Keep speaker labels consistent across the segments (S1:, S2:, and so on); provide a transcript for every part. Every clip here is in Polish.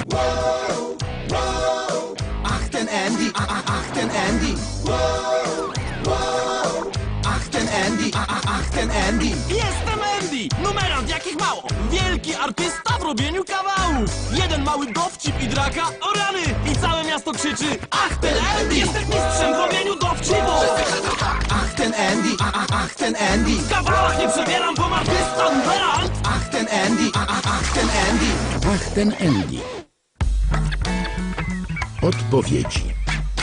S1: Ach, ten Andy, ach, ten Andy. Ach, ten Andy, ach, ten Andy.
S2: Jestem Andy! Numerant jakich mało! Wielki artysta w robieniu kawałów! Jeden mały dowcip i draka, o rany! I całe miasto krzyczy: ach, ten Andy! Jestem mistrzem w robieniu dowcipów!
S1: Ach, ten Andy, ach, ten Andy.
S2: W kawałach nie przebieram, bo artysta numerant!
S1: Ach, ten Andy, ach, ten Andy.
S3: Ach, ten Andy. Odpowiedzi.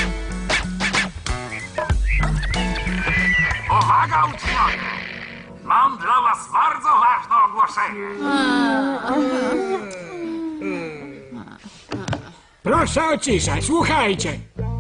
S4: Uwaga, uczniowie! Mam dla was bardzo ważne ogłoszenie.
S5: Proszę o ciszę, słuchajcie.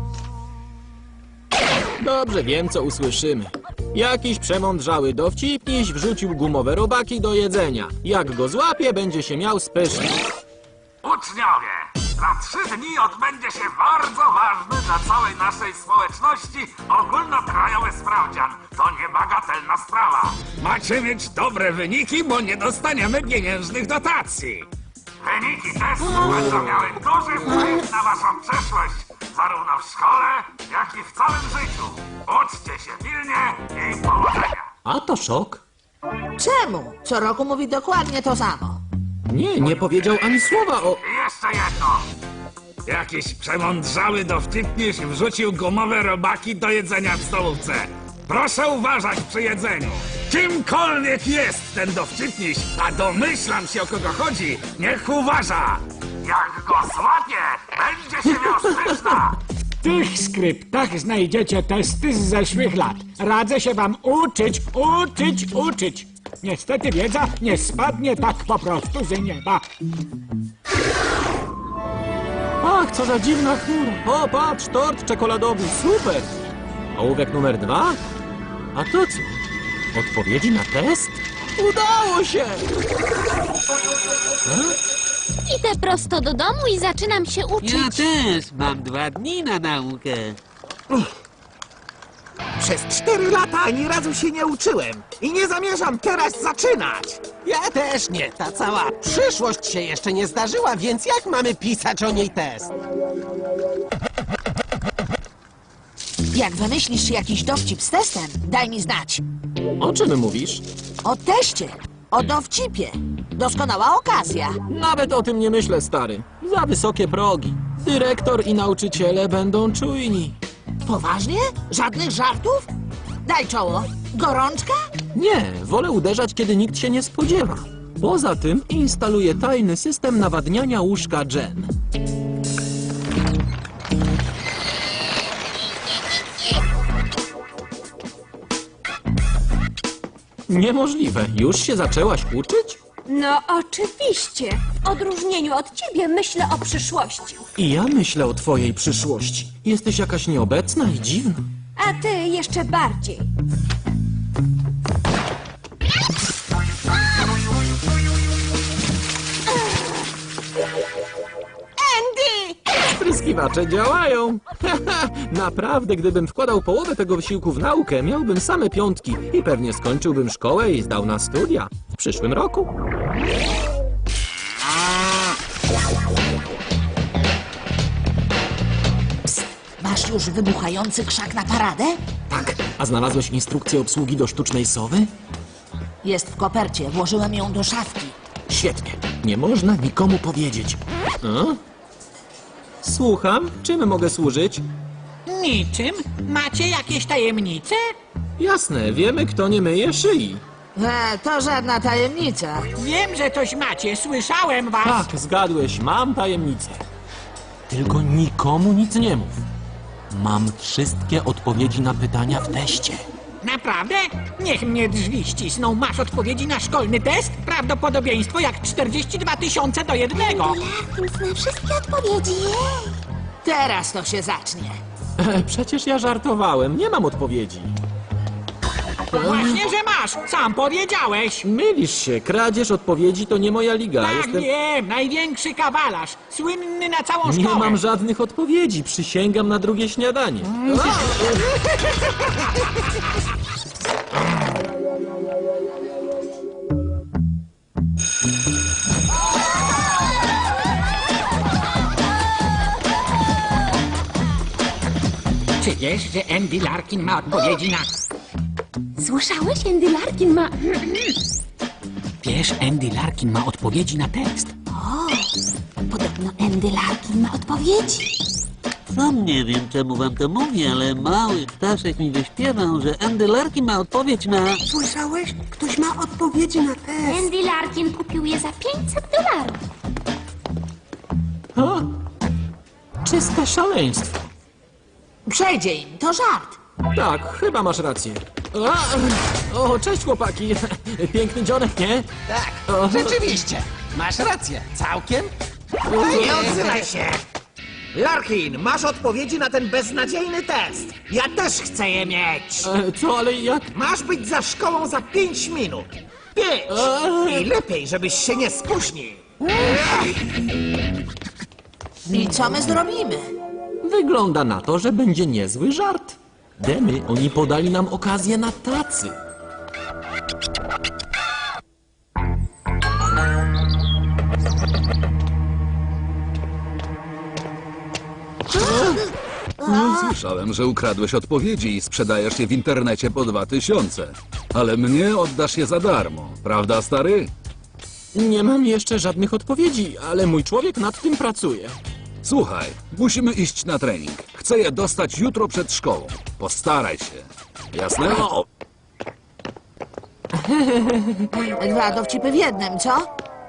S2: Dobrze, wiem co usłyszymy. Jakiś przemądrzały dowcipniś wrzucił gumowe robaki do jedzenia. Jak go złapie, będzie się miał spysznie.
S4: Uczniowie, za 3 dni odbędzie się bardzo ważny dla całej naszej społeczności ogólnokrajowy sprawdzian. To niebagatelna sprawa.
S5: Macie mieć dobre wyniki, bo nie dostaniemy pieniężnych dotacji.
S4: Wyniki testu będą miały duży wpływ na waszą przyszłość, zarówno w szkole, jak i w całym życiu. Uczcie się pilnie i powodzenia.
S2: A to szok.
S6: Czemu? Co roku mówi dokładnie to samo.
S2: Nie powiedział ani słowa o...
S4: I jeszcze jedno.
S5: Jakiś przemądrzały dowcipniś wrzucił gumowe robaki do jedzenia w stolówce. Proszę uważać przy jedzeniu. Kimkolwiek jest ten dowcipniś, a domyślam się o kogo chodzi, niech uważa.
S4: Jak go złapie, będzie się miał spyszna.
S5: W tych skryptach znajdziecie testy z zeszłych lat. Radzę się wam uczyć. Niestety wiedza nie spadnie tak po prostu z nieba.
S2: Ach, co za dziwna chmura. O, patrz, tort czekoladowy, super. Ołówek numer 2? A to co? Odpowiedzi na test? Udało się!
S7: Idę prosto do domu i zaczynam się uczyć.
S8: Ja też mam 2 dni na naukę.
S1: Przez 4 lata ani razu się nie uczyłem i nie zamierzam teraz zaczynać.
S9: Ja też nie. Ta cała przyszłość się jeszcze nie zdarzyła, więc jak mamy pisać o niej test?
S6: Jak wymyślisz jakiś dowcip z testem, daj mi znać.
S2: O czym mówisz?
S6: O teście, o dowcipie. Doskonała okazja.
S2: Nawet o tym nie myślę, stary. Za wysokie progi. Dyrektor i nauczyciele będą czujni.
S6: Poważnie? Żadnych żartów? Daj czoło. Gorączka?
S2: Nie, wolę uderzać, kiedy nikt się nie spodziewa. Poza tym instaluję tajny system nawadniania łóżka Jen. Niemożliwe. Już się zaczęłaś uczyć?
S7: No oczywiście. W odróżnieniu od ciebie myślę o przyszłości.
S2: I ja myślę o twojej przyszłości. Jesteś jakaś nieobecna i dziwna.
S7: A ty jeszcze bardziej.
S6: Andy!
S2: Spryskiwacze działają. Naprawdę, gdybym wkładał połowę tego wysiłku w naukę, miałbym same 5 i pewnie skończyłbym szkołę i zdał na studia w przyszłym roku.
S6: Masz już wybuchający krzak na paradę?
S2: Tak, a znalazłeś instrukcję obsługi do sztucznej sowy?
S6: Jest w kopercie. Włożyłem ją do szafki.
S2: Świetnie. Nie można nikomu powiedzieć. A? Słucham, czym mogę służyć?
S5: Niczym? Macie jakieś tajemnice?
S2: Jasne, wiemy, kto nie myje szyi.
S6: To żadna tajemnica.
S5: Wiem, że coś macie. Słyszałem was.
S2: Tak, zgadłeś, mam tajemnicę. Tylko nikomu nic nie mów. Mam wszystkie odpowiedzi na pytania w teście.
S5: Naprawdę? Niech mnie drzwi ścisną. Masz odpowiedzi na szkolny test? Prawdopodobieństwo jak 42 000 do 1.
S7: Zna wszystkie odpowiedzi.
S6: Teraz to się zacznie.
S2: Przecież ja żartowałem, nie mam odpowiedzi.
S5: Właśnie, że masz. Sam powiedziałeś.
S2: Mylisz się, kradzież odpowiedzi to nie moja liga.
S5: Tak, wiem. Największy kawalarz. Słynny na całą szkołę.
S2: Nie mam żadnych odpowiedzi, przysięgam na drugie śniadanie.
S10: Czy wiesz, że Andy Larkin ma odpowiedzi na...
S7: Słyszałeś? Andy Larkin ma...
S10: Wiesz, Andy Larkin ma odpowiedzi na test.
S7: Podobno Andy Larkin ma odpowiedzi.
S8: Sam nie wiem, czemu wam to mówię, ale mały ptaszek mi wyśpiewał, że Andy Larkin ma odpowiedź na...
S9: Słyszałeś? Ktoś ma odpowiedzi na test.
S7: Andy Larkin kupił je za $500.
S2: Czyste szaleństwo.
S6: Przejdzie im, to żart.
S2: Tak, chyba masz rację. O, cześć chłopaki. Piękny dzionek, nie?
S9: Tak, rzeczywiście. Masz rację. Całkiem?
S1: Nie odzywaj się! Larkin, masz odpowiedzi na ten beznadziejny test. Ja też chcę je mieć.
S2: Co, ale jak?
S1: Masz być za szkołą za 5 minut. 5! I lepiej, żebyś się nie spóźnił.
S6: I co my zrobimy?
S2: Wygląda na to, że będzie niezły żart. Demy, oni podali nam okazję na tacy.
S11: Słyszałem, że ukradłeś odpowiedzi i sprzedajesz je w internecie po 2000. Ale mnie oddasz je za darmo, prawda, stary?
S2: Nie mam jeszcze żadnych odpowiedzi, ale mój człowiek nad tym pracuje.
S11: Słuchaj, musimy iść na trening. Chcę je dostać jutro przed szkołą. Postaraj się. Jasne?
S6: Dwa dowcipy w jednym, co?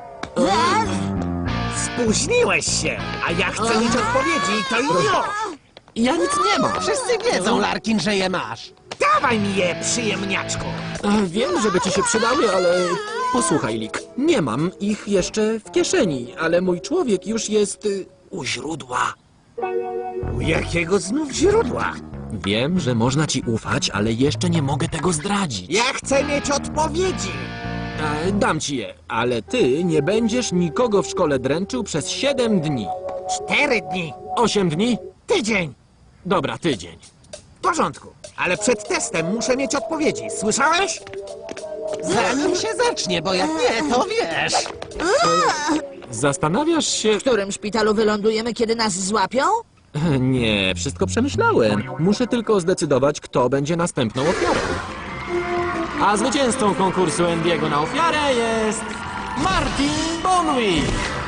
S1: Spóźniłeś się, a ja chcę mieć odpowiedzi i to już.
S2: Ja nic nie mam.
S9: Wszyscy wiedzą, Larkin, że je masz.
S1: Dawaj mi je, przyjemniaczku.
S2: Wiem, żeby ci się przydały, ale... Posłuchaj, Lik, nie mam ich jeszcze w kieszeni, ale mój człowiek już jest u źródła.
S1: U jakiego znów źródła?
S2: Wiem, że można ci ufać, ale jeszcze nie mogę tego zdradzić.
S1: Ja chcę mieć odpowiedzi.
S2: Dam ci je, ale ty nie będziesz nikogo w szkole dręczył przez 7 dni.
S1: 4 dni.
S2: 8 dni?
S1: Tydzień.
S2: Dobra, tydzień.
S1: W porządku, ale przed testem muszę mieć odpowiedzi. Słyszałeś?
S9: Zanim się zacznie, bo jak nie, to wiesz.
S2: Zastanawiasz się...
S6: W którym szpitalu wylądujemy, kiedy nas złapią?
S2: Nie, wszystko przemyślałem. Muszę tylko zdecydować, kto będzie następną ofiarą. A zwycięzcą konkursu Andy'ego na ofiarę jest... Martin Bonwick!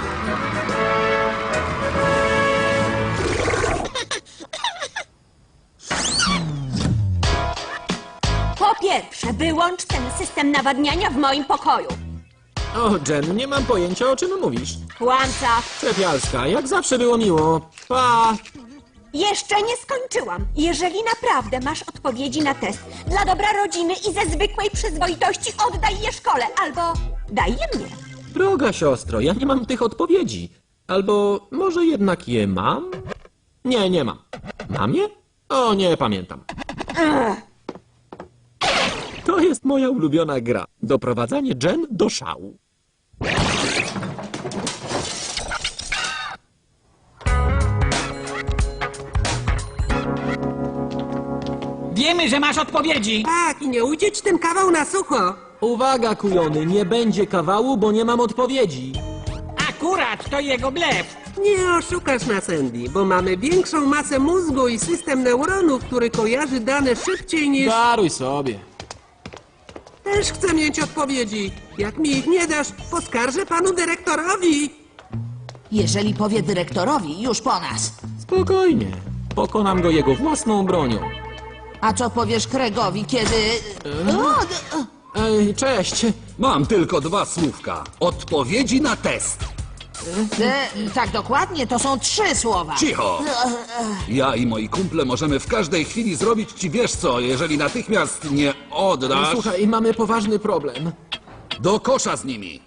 S7: Po pierwsze, wyłącz ten system nawadniania w moim pokoju.
S2: O, Jen, nie mam pojęcia, o czym mówisz.
S7: Kłamca.
S2: Czepialska, jak zawsze było miło. Pa!
S7: Jeszcze nie skończyłam. Jeżeli naprawdę masz odpowiedzi na test, dla dobra rodziny i ze zwykłej przyzwoitości oddaj je szkole, albo daj je mnie.
S2: Droga siostro, ja nie mam tych odpowiedzi. Albo może jednak je mam? Nie, nie mam. Mam je? O, nie pamiętam. To jest moja ulubiona gra. Doprowadzanie Jen do szału.
S10: Wiemy, że masz odpowiedzi.
S9: Tak, i nie ujdzie ci ten kawał na sucho.
S2: Uwaga, kujony, nie będzie kawału, bo nie mam odpowiedzi.
S10: Akurat to jego blef.
S9: Nie oszukasz nas, Andy, bo mamy większą masę mózgu i system neuronów, który kojarzy dane szybciej niż...
S2: Daruj sobie.
S9: Też chcę mieć odpowiedzi. Jak mi ich nie dasz, poskarżę panu dyrektorowi.
S6: Jeżeli powie dyrektorowi, już po nas.
S2: Spokojnie. Pokonam go jego własną bronią.
S6: A co powiesz Craigowi, kiedy...
S2: Ej, cześć.
S11: Mam tylko 2 słówka. Odpowiedzi na test.
S6: Tak dokładnie, to są 3 słowa.
S11: Cicho! Ja i moi kumple możemy w każdej chwili zrobić ci wiesz co, jeżeli natychmiast nie oddasz...
S2: Słuchaj, mamy poważny problem.
S11: Do kosza z nimi!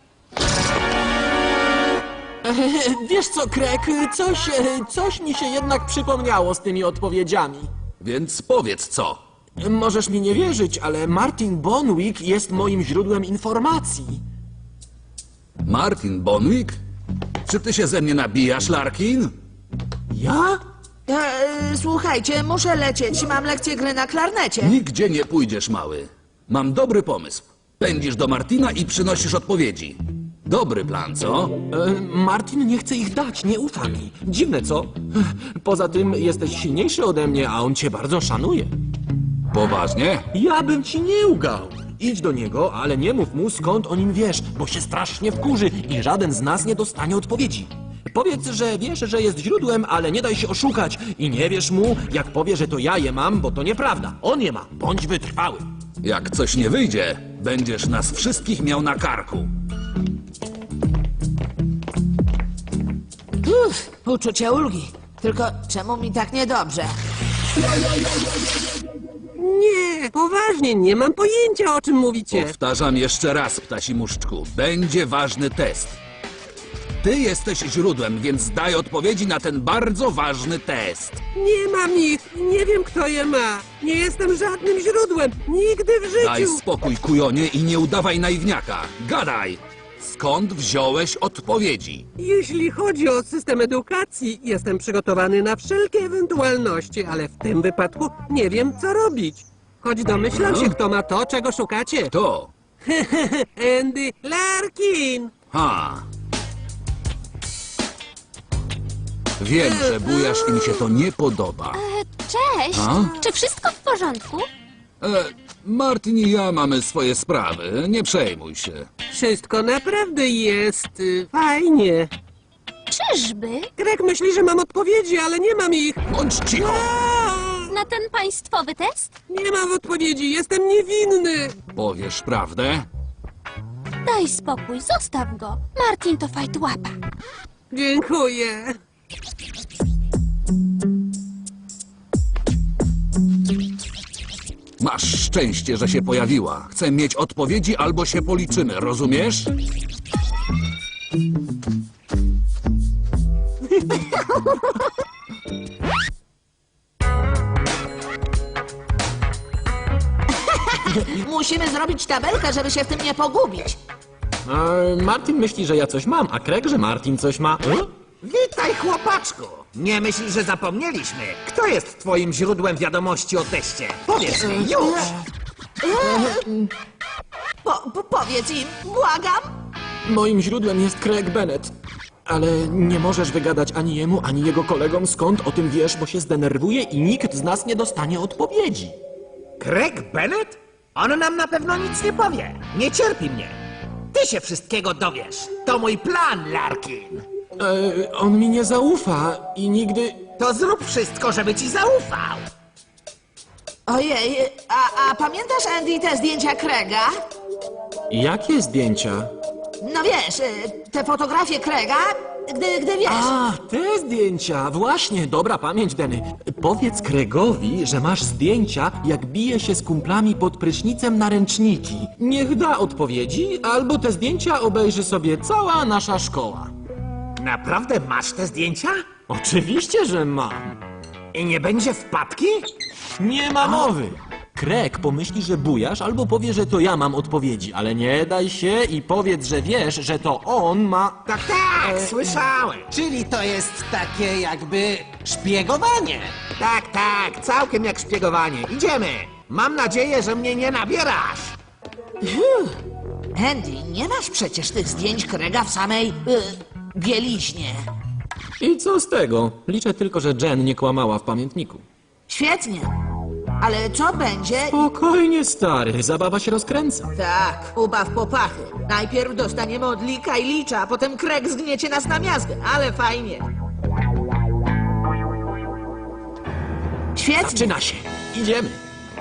S2: Wiesz co, Craig, coś mi się jednak przypomniało z tymi odpowiedziami.
S11: Więc powiedz co.
S2: Możesz mi nie wierzyć, ale Martin Bonwick jest moim źródłem informacji.
S11: Martin Bonwick? Czy ty się ze mnie nabijasz, Larkin?
S2: Ja?
S6: Słuchajcie, muszę lecieć. Mam lekcję gry na klarnecie.
S11: Nigdzie nie pójdziesz, mały. Mam dobry pomysł. Pędzisz do Martina i przynosisz odpowiedzi. Dobry plan, co?
S12: Martin nie chce ich dać, nie ufa mi. Dziwne, co? Poza tym jesteś silniejszy ode mnie, a on cię bardzo szanuje.
S11: Poważnie?
S12: Ja bym ci nie ugał. Idź do niego, ale nie mów mu, skąd o nim wiesz, bo się strasznie wkurzy i żaden z nas nie dostanie odpowiedzi. Powiedz, że wiesz, że jest źródłem, ale nie daj się oszukać i nie wierz mu, jak powie, że to ja je mam, bo to nieprawda. On je ma. Bądź wytrwały.
S11: Jak coś nie wyjdzie, będziesz nas wszystkich miał na karku.
S6: Uczucie ulgi. Tylko czemu mi tak niedobrze?
S9: Nie, poważnie, nie mam pojęcia, o czym mówicie.
S11: Powtarzam jeszcze raz, ptasi muszczku. Będzie ważny test. Ty jesteś źródłem, więc daj odpowiedzi na ten bardzo ważny test.
S9: Nie mam ich, nie wiem, kto je ma. Nie jestem żadnym źródłem, nigdy w życiu.
S11: Daj spokój, kujonie, i nie udawaj naiwniaka. Gadaj! Skąd wziąłeś odpowiedzi?
S9: Jeśli chodzi o system edukacji, jestem przygotowany na wszelkie ewentualności, ale w tym wypadku nie wiem, co robić. Choć domyślam się, kto ma to, czego szukacie.
S11: To.
S9: Andy Larkin!
S11: Ha. Wiem, że bujasz i mi się to nie podoba.
S13: Cześć!
S11: A?
S13: Czy wszystko w porządku?
S11: Martin i ja mamy swoje sprawy, nie przejmuj się.
S9: Wszystko naprawdę jest fajnie.
S13: Czyżby?
S9: Greg myśli, że mam odpowiedzi, ale nie mam ich.
S11: Bądź cicho!
S13: Na ten państwowy test?
S9: Nie mam odpowiedzi, jestem niewinny.
S11: Powiesz prawdę?
S13: Daj spokój, zostaw go. Martin to fajtłapa.
S9: Dziękuję.
S11: Masz szczęście, że się pojawiła. Chcę mieć odpowiedzi albo się policzymy, rozumiesz?
S6: Musimy zrobić tabelkę, żeby się w tym nie pogubić.
S12: Martin myśli, że ja coś mam, a Craig, że Martin coś ma.
S1: Witaj, chłopaczku! Nie myśl, że zapomnieliśmy. Kto jest twoim źródłem wiadomości o teście? Powiedz mi, już!
S6: Powiedz im, błagam!
S12: Moim źródłem jest Craig Bennett. Ale nie możesz wygadać ani jemu, ani jego kolegom, skąd o tym wiesz, bo się zdenerwuje i nikt z nas nie dostanie odpowiedzi.
S1: Craig Bennett? On nam na pewno nic nie powie. Nie cierpi mnie. Ty się wszystkiego dowiesz. To mój plan, Larkin.
S12: On mi nie zaufa i nigdy...
S1: To zrób wszystko, żeby ci zaufał.
S6: Ojej, a pamiętasz, Andy, te zdjęcia Craiga?
S12: Jakie zdjęcia?
S6: No wiesz, te fotografie Craiga, gdy wiesz...
S12: A, te zdjęcia! Właśnie, dobra pamięć, Denny. Powiedz Craigowi, że masz zdjęcia, jak bije się z kumplami pod prysznicem na ręczniki. Niech da odpowiedzi, albo te zdjęcia obejrzy sobie cała nasza szkoła.
S1: Naprawdę masz te zdjęcia?
S12: Oczywiście, że mam.
S1: I nie będzie wpadki?
S12: Nie ma mowy. Craig pomyśli, że bujasz, albo powie, że to ja mam odpowiedzi, ale nie daj się i powiedz, że wiesz, że to on ma...
S1: Tak, słyszałem.
S14: Czyli to jest takie jakby szpiegowanie.
S1: Tak, całkiem jak szpiegowanie. Idziemy. Mam nadzieję, że mnie nie nabierasz.
S6: Andy, nie masz przecież tych zdjęć Craiga w samej... bieliźnie.
S12: I co z tego? Liczę tylko, że Jen nie kłamała w pamiętniku.
S6: Świetnie. Ale co będzie...
S12: Spokojnie, stary, zabawa się rozkręca.
S6: Tak, ubaw popachy. Najpierw dostaniemy od Lika i Licza, a potem Craig zgniecie nas na miazgę, ale fajnie. Świetnie.
S12: Zaczyna się. Idziemy.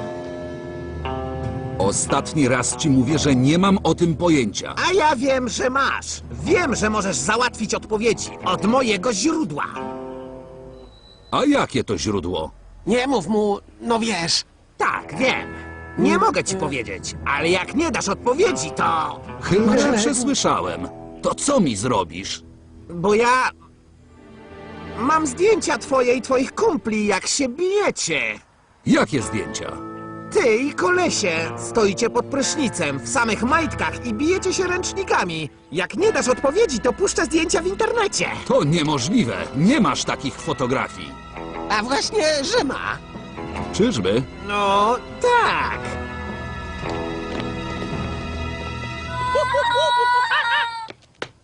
S11: Ostatni raz ci mówię, że nie mam o tym pojęcia.
S1: A ja wiem, że masz. Wiem, że możesz załatwić odpowiedzi od mojego źródła.
S11: A jakie to źródło?
S14: Nie mów mu, no wiesz.
S1: Tak, wiem. Nie mogę ci powiedzieć, ale jak nie dasz odpowiedzi, to...
S11: Chyba, że przesłyszałem. To co mi zrobisz?
S1: Bo ja... mam zdjęcia twoje i twoich kumpli, jak się bijecie.
S11: Jakie zdjęcia?
S1: Ty i kolesie stoicie pod prysznicem w samych majtkach i bijecie się ręcznikami. Jak nie dasz odpowiedzi, to puszczę zdjęcia w internecie.
S11: To niemożliwe. Nie masz takich fotografii.
S14: A właśnie, że ma.
S11: Czyżby?
S1: No, tak.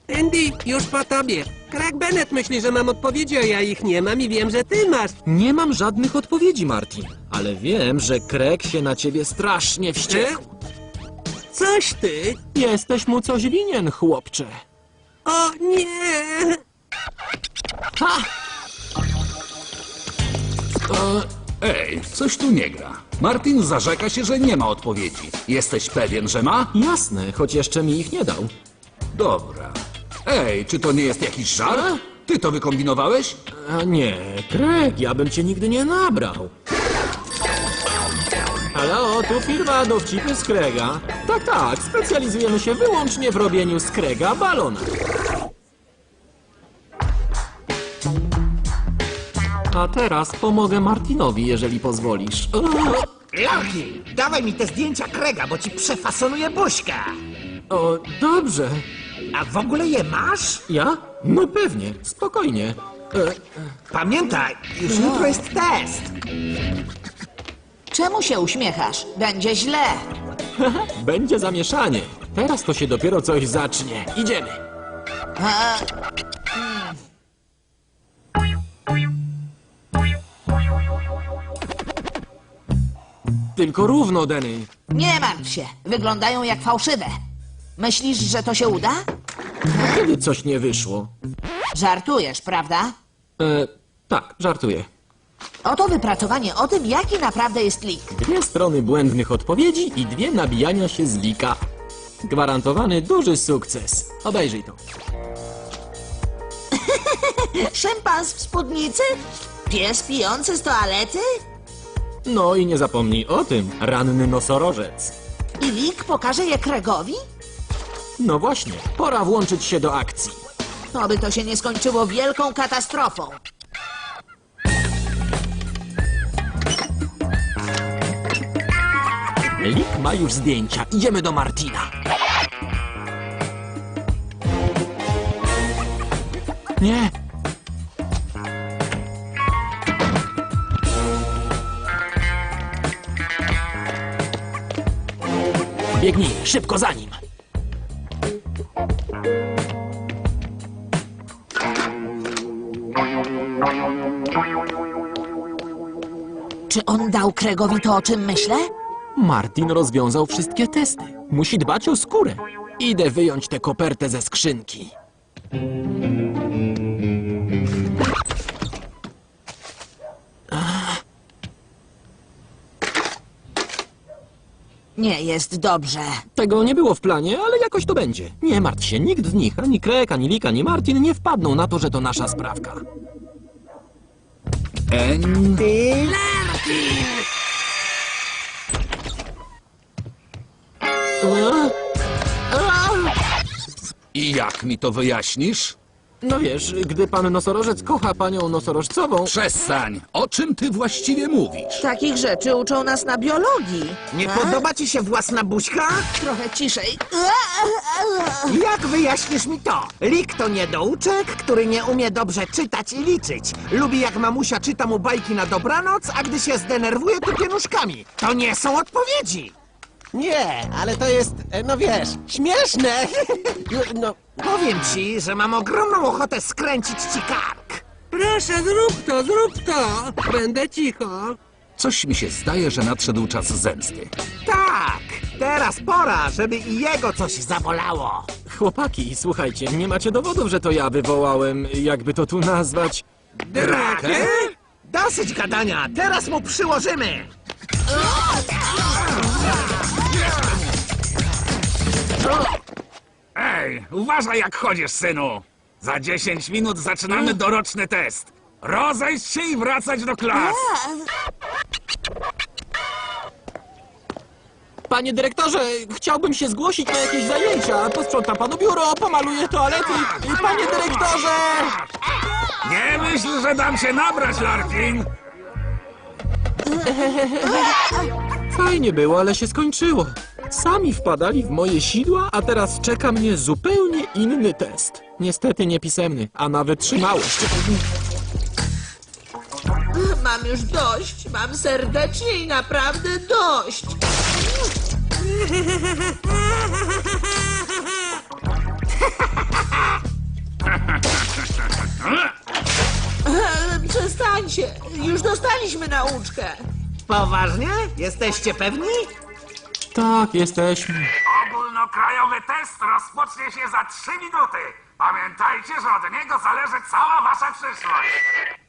S9: Andy, już po tobie. Craig Bennett myśli, że mam odpowiedzi, a ja ich nie mam i wiem, że ty masz.
S12: Nie mam żadnych odpowiedzi, Martin. Ale wiem, że Craig się na ciebie strasznie wściekł.
S9: Coś ty.
S12: Jesteś mu coś winien, chłopcze.
S9: O nie!
S12: Ha!
S11: Ej, coś tu nie gra. Martin zarzeka się, że nie ma odpowiedzi. Jesteś pewien, że ma?
S12: Jasne, choć jeszcze mi ich nie dał.
S11: Dobra. Ej, czy to nie jest jakiś żart? Ty to wykombinowałeś?
S12: A nie, Craig, ja bym cię nigdy nie nabrał. Halo, tu firma Dowcipy z Craiga. Tak, specjalizujemy się wyłącznie w robieniu z Craiga balona. A teraz pomogę Martinowi, jeżeli pozwolisz.
S1: Larki, dawaj mi te zdjęcia Craiga, bo ci przefasonuję buźkę.
S12: O, dobrze.
S1: A w ogóle je masz?
S12: Ja? No pewnie, spokojnie.
S1: Pamiętaj, już jutro jest test.
S6: Czemu się uśmiechasz? Będzie źle.
S12: Będzie zamieszanie. Teraz to się dopiero coś zacznie. Idziemy.
S6: A,
S12: Tylko równo, Denny.
S6: nie martw się, wyglądają jak fałszywe. Myślisz, że to się uda?
S12: Kiedy coś nie wyszło?
S6: Żartujesz, prawda?
S12: Tak, żartuję.
S6: Oto wypracowanie o tym, jaki naprawdę jest lik.
S12: 2 strony błędnych odpowiedzi i 2 nabijania się z lika. Gwarantowany duży sukces. Obejrzyj to.
S6: Szympas w spódnicy? Pies pijący z toalety?
S12: No i nie zapomnij o tym, ranny nosorożec.
S6: I lik pokaże je Craigowi?
S12: No właśnie, pora włączyć się do akcji.
S6: Oby to się nie skończyło wielką katastrofą.
S12: Lik ma już zdjęcia. Idziemy do Martina. Nie. Biegnij, szybko za nim.
S6: Czy on dał Craigowi to, o czym myślę?
S12: Martin rozwiązał wszystkie testy. Musi dbać o skórę. Idę wyjąć tę kopertę ze skrzynki.
S6: Nie jest dobrze.
S12: Tego nie było w planie, ale jakoś to będzie. Nie martw się, nikt z nich, ani Craig, ani Lik, ani Martin nie wpadną na to, że to nasza sprawka.
S11: I jak mi to wyjaśnisz?
S12: No wiesz, gdy pan nosorożec kocha panią nosorożcową...
S11: Przestań! O czym ty właściwie mówisz?
S6: Takich rzeczy uczą nas na biologii.
S1: Nie podoba ci się własna buźka?
S6: Trochę ciszej.
S1: Jak wyjaśnisz mi to? Lik to niedouczek, który nie umie dobrze czytać i liczyć. Lubi jak mamusia czyta mu bajki na dobranoc, a gdy się zdenerwuje, to pienuszkami. To nie są odpowiedzi!
S14: Nie, ale to jest, no wiesz, śmieszne. No,
S1: Powiem ci, że mam ogromną ochotę skręcić ci kark.
S9: Proszę, zrób to! Będę cicho.
S11: Coś mi się zdaje, że nadszedł czas zemsty.
S1: Tak, teraz pora, żeby i jego coś zabolało.
S12: Chłopaki, słuchajcie, nie macie dowodów, że to ja wywołałem, jakby to tu nazwać...
S1: Drakę? Dosyć gadania, teraz mu przyłożymy.
S5: Ej, uważaj jak chodzisz, synu. Za 10 minut zaczynamy doroczny test. Rozejść się i wracać do klas.
S12: Panie dyrektorze, chciałbym się zgłosić na jakieś zajęcia. Posprzątam panu biuro, pomaluję toalety. Panie dyrektorze!
S5: Nie myśl, że dam się nabrać, Larkin.
S12: Fajnie było, ale się skończyło. Sami wpadali w moje sidła, a teraz czeka mnie zupełnie inny test. Niestety niepisemny, a na wytrzymałość.
S6: Mam już dość. Mam serdecznie i naprawdę dość. Przestańcie, już dostaliśmy nauczkę.
S1: Poważnie? Jesteście pewni?
S12: Tak, jesteśmy.
S4: Ogólnokrajowy test rozpocznie się za 3 minuty. Pamiętajcie, że od niego zależy cała wasza przyszłość.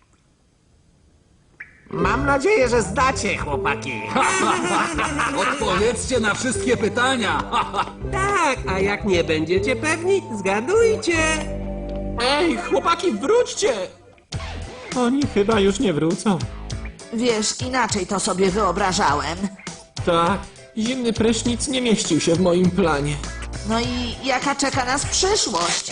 S1: Mam nadzieję, że zdacie, chłopaki.
S11: Odpowiedzcie na wszystkie pytania.
S9: Tak, a jak nie będziecie pewni, zgadujcie.
S12: Ej, chłopaki, wróćcie! Oni chyba już nie wrócą.
S6: Wiesz, inaczej to sobie wyobrażałem.
S12: Tak, zimny prysznic nie mieścił się w moim planie.
S6: No i jaka czeka nas przyszłość?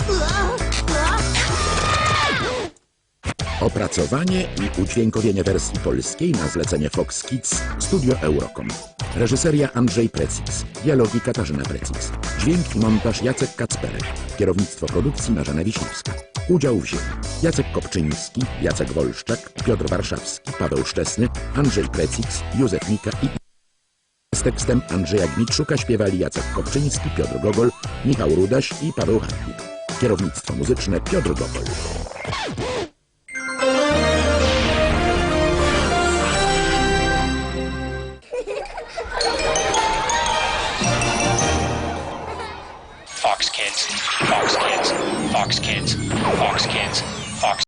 S3: Opracowanie i udźwiękowienie wersji polskiej na zlecenie Fox Kids Studio Eurocom. Reżyseria Andrzej Precis. Dialogi Katarzyna Precis. Dźwięk i montaż Jacek Kacperek. Kierownictwo produkcji Marzena Wiśniewska. Udział wzięli Jacek Kopczyński, Jacek Wolszczak, Piotr Warszawski, Paweł Szczesny, Andrzej Precis, Józef Mika i... Z tekstem Andrzeja Gmitrzuka śpiewali Jacek Kopczyński, Piotr Gogol, Michał Rudaś i Paweł Hartwig. Kierownictwo muzyczne Piotr Gogol.
S10: Fox Kids, Fox Kids, Fox Kids, Fox Kids.